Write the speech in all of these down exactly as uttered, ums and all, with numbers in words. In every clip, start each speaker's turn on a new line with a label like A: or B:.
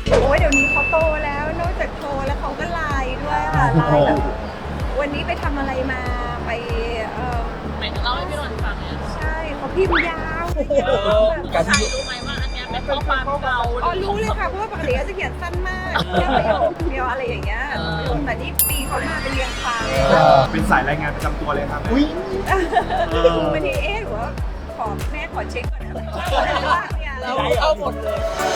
A: โอ้ยเดี๋ยวนี้เขาโตแล้วนอกจากโทรแล้วเขาก็ไลน์ด้วยค่ะไลน์แบบวันนี้ไปทำอะไรมาไปเออ
B: หมายถึงเล่าให้พี่นนท์ฟังเนี่ย
A: ใช่เขาพิมพ์ยาวแบบ
B: ใครรู้ไหมว่าอันเนี้ยเป็นข้อความเก่า
A: อ๋อรู้เลยค่ะเพราะว่าปกติเขาจะเขียนสั้นมากแค่ประโยคเดียวอะไรอย่างเงี้ยแต่นี่ปีเขามาเป็นเรียงความเลย
C: เป็นสายรายงานประจำตัวเลยครับ
A: วันนี้เอ๊ะหรือว่าขอแม่ขอเช็คก่อนนะว่าเนี่ย
B: เราเอาหมดเลย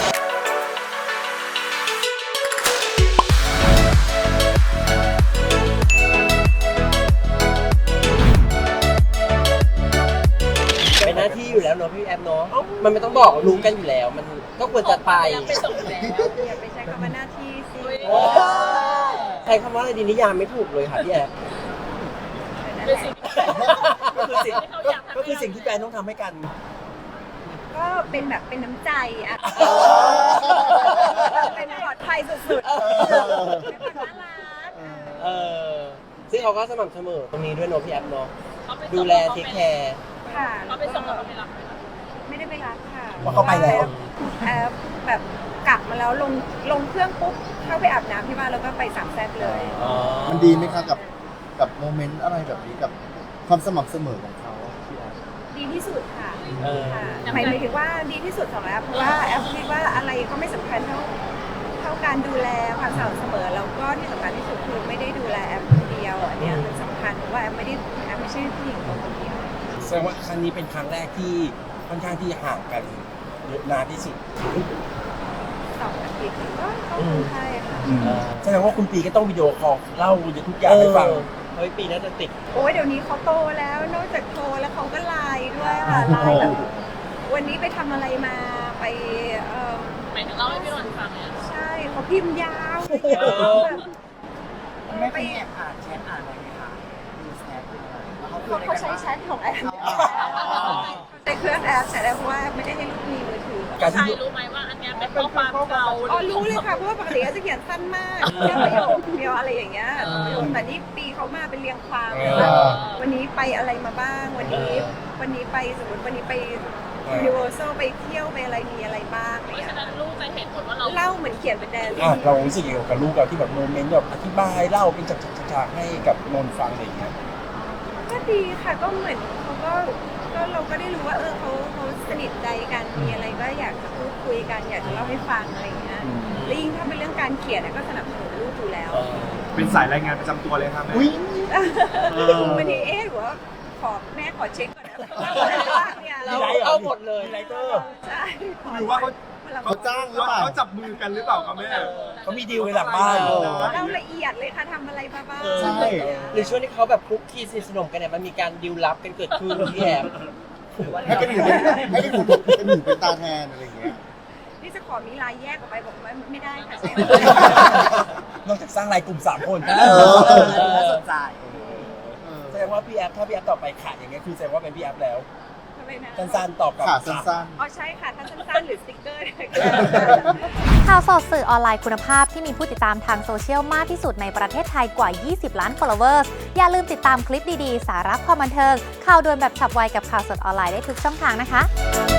D: เป็นหน้าที่อยู่แล้วเนาะพี่แอมเนาะมันไม่ต้องบอกรู้กันอยู่แล้ว มันก็ควรจะไป
B: ไปส่งแล้ว
A: อย่าไปใช้คำว่าหน้าที่สิ
D: ใช้คำว่าอะไรดีนิยามไม่ถูกเลยค่ะพี่แอม
A: นั่น
B: เป็น
A: แหละ
B: สิ่ง
D: ก็คือสิ่งก็คือสิ่งที่แฟนต้องทำให้กัน
A: ก็เป็นแบบเป็นน้ำใจอะเป็นปลอดภัยสุดๆเป็นคนน่ารัก
D: เออซึ่งเขาก็สม่ำเสมอตรงนี้ด้วยเนาะพี่แอมเนาะ
B: เขาไปส่ง
D: ดูแลเทคแคร์
A: ค่ะ
B: เขาไปส่งแล้วเขาไปรับไหมคะ
A: ไม่ได้ไปรับค่ะ
D: เพราะเขาไปแล้ว
A: แอบแบบกลับมาแล้วลงลงเครื่องปุ๊บเข้าไปอาบน้ำที่บ้านแล้วก็ไปสามแซ่บเลย
E: มันดีไหมคะกับกับโมเมนต์อะไรแบบนี้กับความสม่ำเสมอของเขาพี่แอฟ
A: ดีที่สุดค่ะ
D: เออ
A: ค่ะหมายถึงว่าดีที่สุดของแอปเพราะว่าแอปคิดว่าอะไรก็ไม่สำคัญเท่าเท่าการดูแลความสม่ำเสมอแล้วก็ที่สำคัญที่สุดคือไม่ได้ดูแลแอปคนเดียวอันเนี้ยมันสำคัญเพราะว่าแอปไม่ได้แอปไม่ใช่ผู้หญิงคนเดียว
D: แสดงว่าครั้งนี้เป็นครั้งแรกที่ค่อนข้างที่ห่างกันเยอะนานที่สุด
A: สองอาทิตย์ก็ก็คงใช่ค่ะ
D: แสดงว่าคุณปีก็ต้องวิดีโอคอลเล่าทุกอย่างให้ฟังเฮ้ยปีน่าจะติด
A: โอ้ยเดี๋ยวนี้เขาโตแล้วนอกจากโทรแล้วเขาก็ไลน์ด้วยค่ะไลน์แบบวันนี้ไปทำอะไรมาไปเออ
B: หมายถึงเล่าให้พี่นนท์ฟังเนี่ย
A: ใช่เขาพิมพ์ยาว
F: ไม่ไปแอบอ่านแชทอ่านอะไรไหมคะดูแชทดูอะไรแล้วเขาคุย
A: เขา
F: อะไร
A: เขา
F: กัน
A: ใช้
F: บ้าง
A: แชทของแอปใช้เครื่องแอปแต่แอปว่าไม่ได้ให้ลูกมีมือถือ
D: การ
B: ใคร
D: ที่
B: รู้ไหมว่าอันเนี้ยเป็นข้อความเก่า
A: อ๋อรู้เลยค่ะเพราะว่าปกติเขาจะเขียนสั้นมากแค่ประโยคเดียวอะไรอย่างเงี้ยแต่นี่ปีเขามาเป็นเรียงความเลยว่าวันนี้ไปอะไรมาบ้าง วันนี้วันนี้ไปสมมติวันนี้ไปยูนิเวอร์แซลไปเที่ยวไปอะไรมีอะไรบ้างอะไร
B: เพราะ
A: เงี้
B: ฉะ
A: ย
B: นั้นลูกจะเห็นหมดว่าเรา
A: เล่าเหมือนเขียนเป็นแดน
D: อ่ะเรารู้สึกยังไงกับลูกเราที่แบบโมเมนต์แบบอธิบายเล่าเป็นฉากๆให้กับนนท์ฟังอะไรอย่างเงี้ย
A: ก็ดีค่ะก็เหมือนเขาก็ก็เราก็ได้รู้ว่าเออเขาเขาสนิทใจกันมีอะไรก็อยากจะพูดคุยกันอยากจะเล่าให้ฟังอะไรอย่างเงี้ยและยิ่งถ้าเป็นเรื่องการเขียนอะก็สนับสนุนลูกอยู่แล้ว
C: เป็นสายรายงานประจำตัวเลยครับแม่
A: วันนี้เอ๊ะหรือว่าขอแม่ขอเช็คก่อนนะว่าเนี่ยเรา
D: เราเอาหมดเลยไลเตอร์
A: ใช่
C: หรือว่าเขา
E: เขาจ้างหรือเปล่า
C: เขาจับมือกันหรือเปล่าครับแม่
D: เขามีดีลกันหลังบ้าน
E: เออ
A: เราละเอียดเลยค่ะทำอะไรมาบ้าง
E: ใช่
D: หรือช่วงที่เขาแบบคลุกคลีสนิทสนมกันเนี่ยมันมีการดีลลับกันเกิดขึ้นพี่แอม
E: ให้เป็นหูให้เป็นหูเป็นหูเป็นตาแทนอะไรอย่างเงี้ย
A: นี่จะขอมีลายแยกออกไปบอกว่าไม่ได้ค่ะใช่
D: นอกจากสร้างรายกลุ่มสามคน
F: เออน่าสนใจ
D: แสดงว่าพี่แอฟถ้าพี่แอฟต่อไปขาดอย่างเงี้ยคือแสดงว่าเป็นพี่แอฟแล้ว
A: ทำไมนะ
D: สั้นๆตอบกลับ
E: ขาสั้น
A: อ๋อใช่ค่ะถ้าสั้นๆหรือสติ๊กเกอร์
G: ข่าวสดสื่อออนไลน์คุณภาพที่มีผู้ติดตามทางโซเชียลมากที่สุดในประเทศไทยกว่า ยี่สิบ ล้าน followers อย่าลืมติดตามคลิปดี ๆ สาระความบันเทิง ข่าวด่วนแบบฉับไวกับข่าวสดออนไลน์ได้ทุกช่องทางนะคะ